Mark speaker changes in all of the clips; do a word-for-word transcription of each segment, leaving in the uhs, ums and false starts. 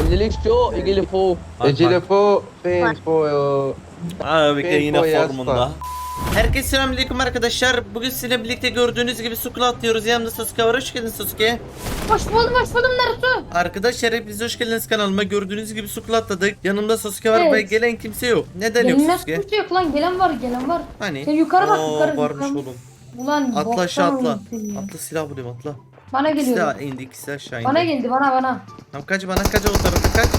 Speaker 1: Ellilik şu ilgili fu.
Speaker 2: Bak,
Speaker 3: Ecele
Speaker 2: bak.
Speaker 3: po, fans po.
Speaker 2: Abi
Speaker 3: Ben
Speaker 2: yine
Speaker 3: koyarsa.
Speaker 2: formunda. Herkese selamünaleyküm arkadaşlar. Bugün sizinle birlikte gördüğünüz gibi Sukul atlıyoruz. Yanımda Sasuke var. Hoş geldin Sasuke.
Speaker 4: Hoş buldum, hoş buldum Naruto.
Speaker 2: Arkadaşlar hepiniz hoş geldiniz kanalıma. Gördüğünüz gibi Sukul atladık. Yanımda Sasuke var
Speaker 4: Evet.
Speaker 2: ve gelen kimse yok. Neden yok
Speaker 4: Gelinmez
Speaker 2: Sasuke?
Speaker 4: kimse yok lan, gelen var, gelen var.
Speaker 2: Hani?
Speaker 4: Sen yukarı bak,
Speaker 2: Oo,
Speaker 4: yukarı.
Speaker 2: varmış
Speaker 4: yukarı.
Speaker 2: oğlum.
Speaker 4: Ulan
Speaker 2: Atla aşağı
Speaker 4: boktan
Speaker 2: atla.
Speaker 4: olmuş ya.
Speaker 2: Atla silah bulayım atla.
Speaker 4: Bana geliyor.
Speaker 2: Silah indi ikisi aşağı indi.
Speaker 4: Bana geldi, bana bana.
Speaker 2: Tamam kaç bana kaç o tarafa kaç.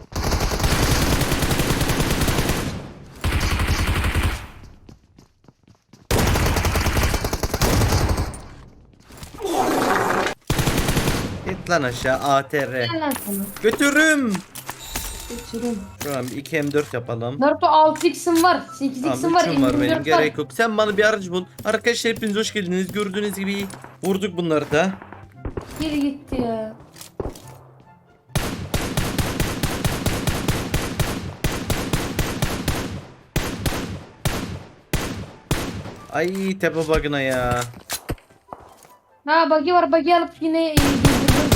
Speaker 2: Git lan aşağı A T R.
Speaker 4: Gel lan sana.
Speaker 2: Götürüm.
Speaker 4: Geçiyorum.
Speaker 2: Tamam iki M dört yapalım.
Speaker 4: Naruto altı x'im var, sekiz x'im
Speaker 2: Tamam
Speaker 4: var,
Speaker 2: üçüm var benim
Speaker 4: M yirmi dört
Speaker 2: gerek yok. Sen bana bir aracı bul. Arkadaşlar hepiniz hoş geldiniz. Gördüğünüz gibi vurduk bunları da.
Speaker 4: Geri gitti ya.
Speaker 2: Ay tepe bug'ına ya.
Speaker 4: Ha bagi var, bagi alıp yine e, girdirdim.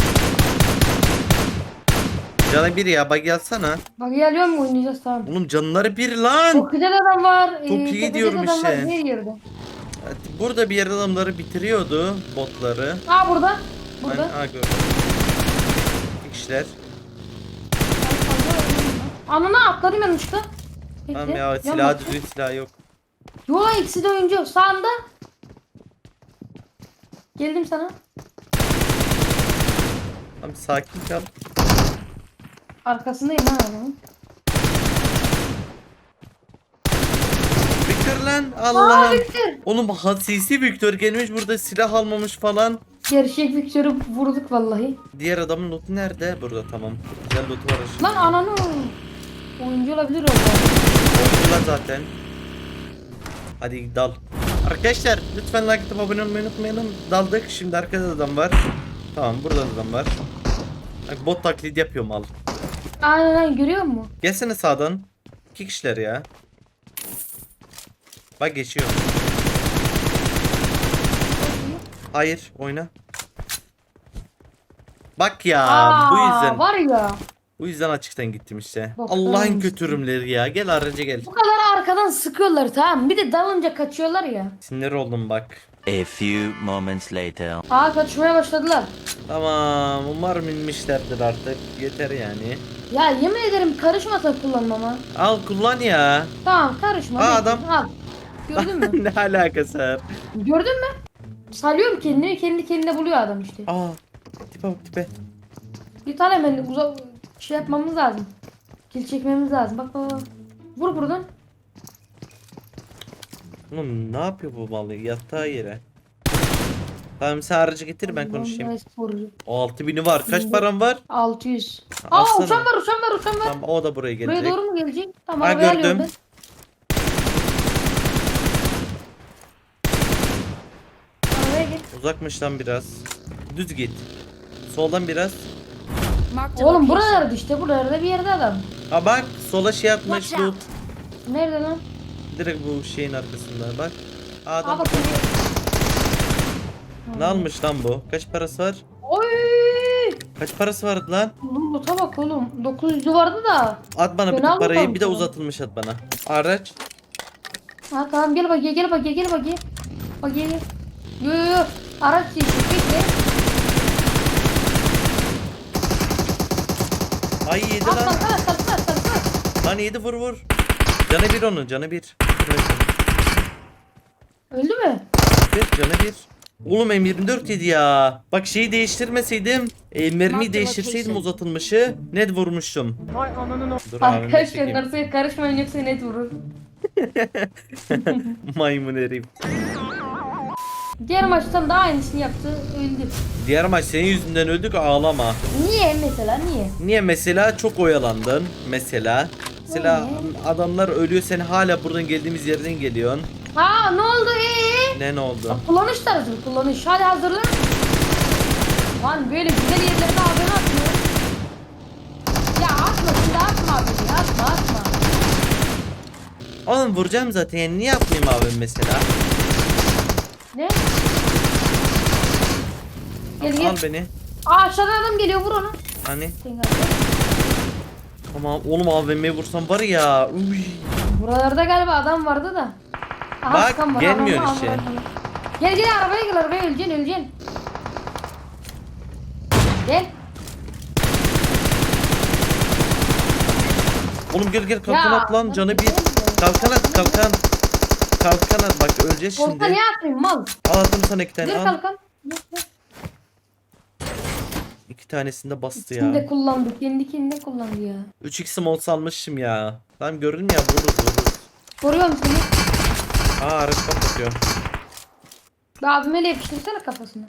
Speaker 2: Canı bir ya bug yazsana.
Speaker 4: Bagi alıyor mu, oynayacağız tamam.
Speaker 2: Oğlum canları bir lan.
Speaker 4: Çok güzel adam var.
Speaker 2: Çok iyi
Speaker 4: tepede
Speaker 2: diyorum
Speaker 4: adam
Speaker 2: işte.
Speaker 4: var, her yerde.
Speaker 2: Burada bir yerde adamları bitiriyordu botları.
Speaker 4: Ha burada. Burada.
Speaker 2: Hani, ha gördüm. İki kişiler.
Speaker 4: Anana atladım yanlışlıkla.
Speaker 2: Tamam
Speaker 4: Bekle,
Speaker 2: ya
Speaker 4: yan
Speaker 2: silah
Speaker 4: bakayım.
Speaker 2: düzgün silah yok.
Speaker 4: Yo ikisi de oyuncu. Sağında. Geldim sana.
Speaker 2: Tamam sakin kal.
Speaker 4: Arkasındayım ha adamın.
Speaker 2: Victor lan
Speaker 4: Aa
Speaker 2: Allah'ım.
Speaker 4: Victor.
Speaker 2: Oğlum hasisi Victor gelmiş burada silah almamış falan.
Speaker 4: Gerçek Victor'u vurduk vallahi.
Speaker 2: Diğer adamın lootu nerede? Burada tamam. Güzel lootu var aşağıda.
Speaker 4: Lan ananı. Oyuncu olabilir orada.
Speaker 2: Oyuncular zaten. Hadi dal. Arkadaşlar lütfen like atıp abone olmayı unutmayalım. Daldık. Şimdi arkada da adam var. Tamam burada da adam var. Bak bot taklidi yapıyorum al.
Speaker 4: Aynen aynen, görüyor musun?
Speaker 2: Gelsene sağdan. İki kişiler ya. Bak geçiyor. Hayır oyna. Bak ya
Speaker 4: Aa,
Speaker 2: bu yüzden.
Speaker 4: var ya.
Speaker 2: Bu yüzden açıktan gittim işte.
Speaker 4: Bak,
Speaker 2: Allah'ın
Speaker 4: tamam.
Speaker 2: götürümleri ya. Gel araca gel.
Speaker 4: Bu kadar arkadan sıkıyorlar tamam. Bir de dalınca kaçıyorlar ya.
Speaker 2: Sinir oldum bak.
Speaker 5: A few moments later.
Speaker 4: Aa kaçmaya başladılar.
Speaker 2: Tamam umarım inmişlerdir artık. Yeter yani.
Speaker 4: Ya yemin ederim karışmasa kullanmama.
Speaker 2: Al kullan ya.
Speaker 4: Tamam karışma.
Speaker 2: Aa,
Speaker 4: bekle,
Speaker 2: adam.
Speaker 4: Al. Gördün mü?
Speaker 2: Ne alakası var?
Speaker 4: Gördün mü? Salıyorum kendini, kendi kendine buluyor adam işte.
Speaker 2: Aa. Tipe bak tipe.
Speaker 4: Bir tane hemen uzak şey yapmamız lazım. Kill çekmemiz lazım. Bak bak bak. Vur buradan.
Speaker 2: Oğlum ne yapıyor bu malı? Yatağı yere. Tamam sen aracı getir ben konuşayım.
Speaker 4: Vallahi sporcu.
Speaker 2: O altı bini var. Kaç param var?
Speaker 4: altı yüz. Aa
Speaker 2: Alsana.
Speaker 4: uçan var, uçan var, uçan var.
Speaker 2: Tamam o da buraya
Speaker 4: Buraya
Speaker 2: gelecek.
Speaker 4: doğru mu gelecek? Tamam
Speaker 2: Ha,
Speaker 4: arabaya alıyorum
Speaker 2: gördüm.
Speaker 4: ben. Arabaya git.
Speaker 2: Uzakmış lan biraz. Düz git. Soldan biraz.
Speaker 4: Oğlum buralarda işte, buralarda bir yerde adam.
Speaker 2: Ha bak sola şey atmış loot.
Speaker 4: Nerede lan?
Speaker 2: Direkt bu şeyin arkasında bak. Aa,
Speaker 4: Aa
Speaker 2: adam
Speaker 4: bak.
Speaker 2: ne almış lan bu? Kaç parası var?
Speaker 4: Oy!
Speaker 2: Kaç parası vardı lan?
Speaker 4: Oğlum loot'a bak oğlum. dokuz yüzü vardı da.
Speaker 2: At bana
Speaker 4: Ben
Speaker 2: bütün parayı
Speaker 4: almadım
Speaker 2: bir de
Speaker 4: sana.
Speaker 2: uzatılmış at bana. Araç.
Speaker 4: Ha tamam gel bak gel bak gel bak gel. Bak gel. Yo yo yo. Araç değişti. Bekle.
Speaker 2: Ay yedi
Speaker 4: At
Speaker 2: lan.
Speaker 4: kalsana kalsana kalsana.
Speaker 2: Lan yedi vur vur. Canı bir onun canı bir.
Speaker 4: Öldü mü?
Speaker 2: Bir canı bir. Oğlum M yirmi dört yedi ya. Bak şeyi değiştirmeseydim. E, mermiyi değiştirseydim uzatılmışı. Net vurmuştum. Dur abim
Speaker 4: Arkadaşlar
Speaker 2: çekeyim.
Speaker 4: narsuya karışmayın yoksa net vurur.
Speaker 2: Maymun herif.
Speaker 4: Diğer maçtan da aynısını yaptı. Öldü.
Speaker 2: Diğer maç senin yüzünden öldük ağlama.
Speaker 4: Niye mesela niye?
Speaker 2: Niye mesela çok oyalandın mesela. Mesela adamlar ölüyor sen hala buradan geldiğimiz yerden geliyorsun.
Speaker 4: Ha ne oldu ee?
Speaker 2: Ne ne oldu?
Speaker 4: Kullanış tarzı kullanış. Hadi hazırlan. Lan böyle güzel yerlerde abone atmıyor. Ya atma şimdi atma abi ya atma atma.
Speaker 2: Oğlum vuracağım zaten yani niye yapmayayım abi mesela?
Speaker 4: Ne? Gel gel.
Speaker 2: Al beni.
Speaker 4: Aa aşağıdan adam geliyor vur onu.
Speaker 2: Hani?
Speaker 4: Sen gel.
Speaker 2: Tamam oğlum A V M'ye vursam var ya. Uy.
Speaker 4: Buralarda galiba adam vardı da. Aha,
Speaker 2: Bak,
Speaker 4: sıkan var,
Speaker 2: gelmiyor
Speaker 4: adam var,
Speaker 2: işte.
Speaker 4: adam var. Gel gel arabaya gel arabaya öleceksin öleceksin. Gel.
Speaker 2: Oğlum gel gel kalkan
Speaker 4: Ya,
Speaker 2: at lan canı bir.
Speaker 4: gel de.
Speaker 2: Kalkan at kalkan. Kalkan at bak öleceğiz
Speaker 4: Orta
Speaker 2: şimdi.
Speaker 4: niye atmayayım mal?
Speaker 2: Al attım sana iki tane
Speaker 4: Dur
Speaker 2: al.
Speaker 4: kalkan. Dur, dur.
Speaker 2: İki tanesini de bastı
Speaker 4: Kendi
Speaker 2: ya.
Speaker 4: kullandı. Kendi kendine kullandı ya.
Speaker 2: üç x mod salmışım ya. Tamam gördün ya vururuz vururuz.
Speaker 4: Koruyorum seni.
Speaker 2: Aa araç patlatıyor.
Speaker 4: Bir abime yapıştırsana kafasına.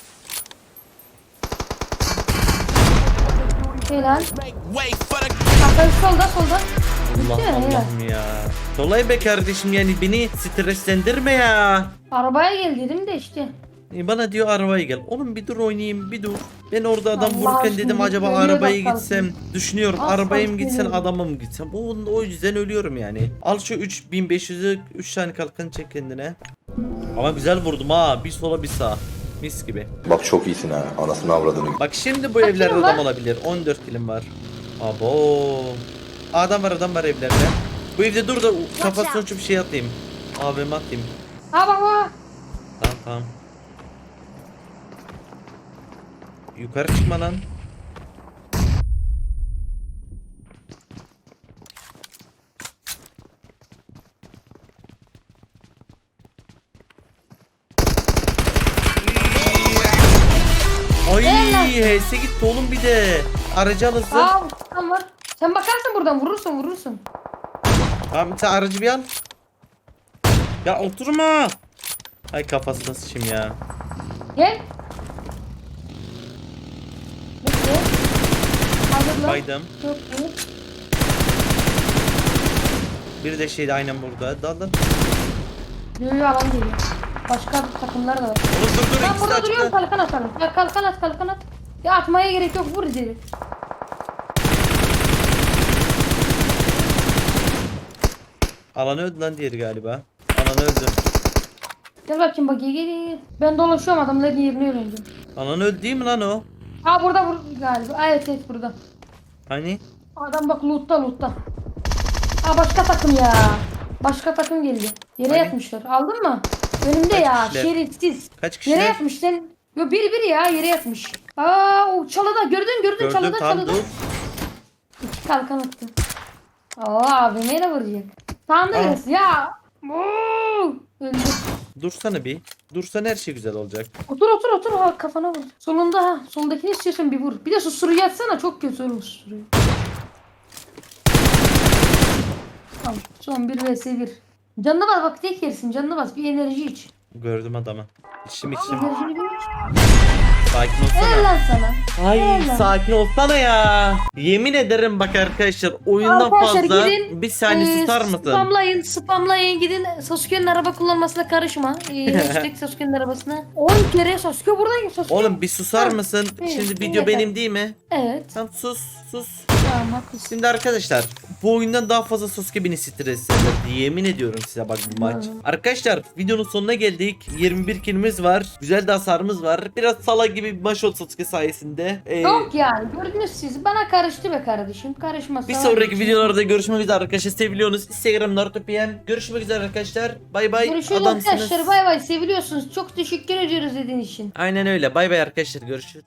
Speaker 4: Helal. Kafayı solda solda.
Speaker 2: Allah
Speaker 4: Bitti mi? Helal.
Speaker 2: Allah'ım ya. Kolay be kardeşim yani beni streslendirme ya.
Speaker 4: Arabaya gel dedim de işte.
Speaker 2: E, Bana diyor arabaya gel. Oğlum bir dur oynayayım bir dur. Ben orada adam
Speaker 4: Allah
Speaker 2: vururken dedim
Speaker 4: aşkına,
Speaker 2: acaba
Speaker 4: ölüyor
Speaker 2: arabaya
Speaker 4: bak
Speaker 2: gitsem. Düşünüyorum
Speaker 4: Az
Speaker 2: arabaya mı
Speaker 4: kalsın
Speaker 2: gitsen
Speaker 4: ölüyorum.
Speaker 2: adama mı gitsem. O, o yüzden ölüyorum yani. Al şu üç bin beş yüzü üç tane kalkan çek kendine. Ama güzel vurdum ha. Bir sola bir sağa. Mis gibi.
Speaker 1: Bak çok iyisin ha. Anasını avradını.
Speaker 2: Bak şimdi bu
Speaker 4: Kaç
Speaker 2: evlerde
Speaker 4: kilim
Speaker 2: adam
Speaker 4: var?
Speaker 2: olabilir. on dört kilim var. Abo. Adam var adam var evlerde. Bu evde dur da kafasına uçup bir şey atayım. A V M atayım.
Speaker 4: Ha bak bak.
Speaker 2: Tamam tamam. Yukarı çıkma lan. Ay H S gitti oğlum bir de. Aracı alırsın.
Speaker 4: Aa tam var. Sen bakarsın buradan vurursun vurursun.
Speaker 2: Tamam sen aracı bir al. Ya oturma. Ay kafasına sıçayım ya.
Speaker 4: Gel. Bekle. Hazırla.
Speaker 2: Baydım.
Speaker 4: Çok iyi.
Speaker 2: Bir de şeydi aynen burada. Dal dal.
Speaker 4: Yürüyor alan geliyor. Başka takımlar da var.
Speaker 2: Oğlum dur dur
Speaker 4: Ben
Speaker 2: ikisi de
Speaker 4: burada duruyorum
Speaker 2: açıkta.
Speaker 4: kalkan atalım. Ya kalkan at kalkan at. Ya atmaya gerek yok vur direkt.
Speaker 2: Alanı öldü lan diğeri galiba. Alanı öldü.
Speaker 4: Gel bakayım bak gel gel gel. Ben dolaşıyorum adamların yerine öğrendim.
Speaker 2: Alanı öldü değil mi lan o?
Speaker 4: Ha burada vur galiba. Aa, evet evet burada.
Speaker 2: Hani?
Speaker 4: Adam bak lootta lootta. Aa başka takım ya. Başka takım geldi. Yere
Speaker 2: Hani?
Speaker 4: yatmışlar. Aldın mı? Önümde
Speaker 2: Kaç
Speaker 4: ya.
Speaker 2: kişiler?
Speaker 4: Şerefsiz.
Speaker 2: Kaç
Speaker 4: Yere
Speaker 2: kişiler?
Speaker 4: yatmış sen. Yo biri biri ya yere yatmış. Aa o çalıda gördün gördün
Speaker 2: Gördüm
Speaker 4: çalıda
Speaker 2: tam
Speaker 4: çalıda.
Speaker 2: dur.
Speaker 4: İki kalkan attı. Aa abi neyle vuracak? Tamam da
Speaker 2: Aa.
Speaker 4: gelsin ya. Oo! Öldü.
Speaker 2: Dursana bir. Dursan her şey güzel olacak.
Speaker 4: Otur otur otur ha kafana vur. Solunda ha. Soldakini istiyorsan bir vur. Bir de susturucu atsana çok kötü olur susturucu. Tamam son bir vs bir. Canına bas bak tek yersin canına bas bir enerji iç.
Speaker 2: Gördüm adamı. İçim içim.
Speaker 4: Enerjini bir iç.
Speaker 2: Sakin
Speaker 4: Helal
Speaker 2: olsana.
Speaker 4: lan sana.
Speaker 2: Ay
Speaker 4: Helal.
Speaker 2: sakin olsana ya. Yemin ederim bak arkadaşlar oyundan
Speaker 4: Arkadaşlar
Speaker 2: fazla
Speaker 4: gidin,
Speaker 2: bir saniye
Speaker 4: Ee,
Speaker 2: susar mısın?
Speaker 4: Spamlayın, spamlayın gidin Sasuke'nin araba kullanmasına karışma. Ee, hashtag Sasuke'nin arabasına. on kere Sasuke buradayım Sasuke.
Speaker 2: Oğlum bir susar
Speaker 4: Ha,
Speaker 2: mısın?
Speaker 4: evet,
Speaker 2: Şimdi video
Speaker 4: yeter.
Speaker 2: benim değil mi?
Speaker 4: Evet.
Speaker 2: Tamam sus sus.
Speaker 4: Tamam haklısın.
Speaker 2: Şimdi arkadaşlar bu oyundan daha fazla Sasuke beni streslendirdi. Yemin ediyorum size bak bu maç.
Speaker 4: Hmm.
Speaker 2: Arkadaşlar videonun sonuna geldik. yirmi bir kilimiz var. Güzel de hasarımız var. Biraz sala gibi bir maç oldu Sasuke sayesinde. Ee,
Speaker 4: Yok yani gördünüz siz. Bana karıştı be kardeşim. Karışmasa.
Speaker 2: bir
Speaker 4: var
Speaker 2: sonraki
Speaker 4: için.
Speaker 2: videolarda görüşmek üzere arkadaşlar. Seviliyorsunuz. Instagram Naruto P M. Görüşmek üzere arkadaşlar. Bay bay.
Speaker 4: Görüşürüz
Speaker 2: Adamsınız.
Speaker 4: arkadaşlar. Bay bay. Seviliyorsunuz. Çok teşekkür ediyoruz dediğin için.
Speaker 2: Aynen öyle. Bay bay arkadaşlar. Görüşürüz.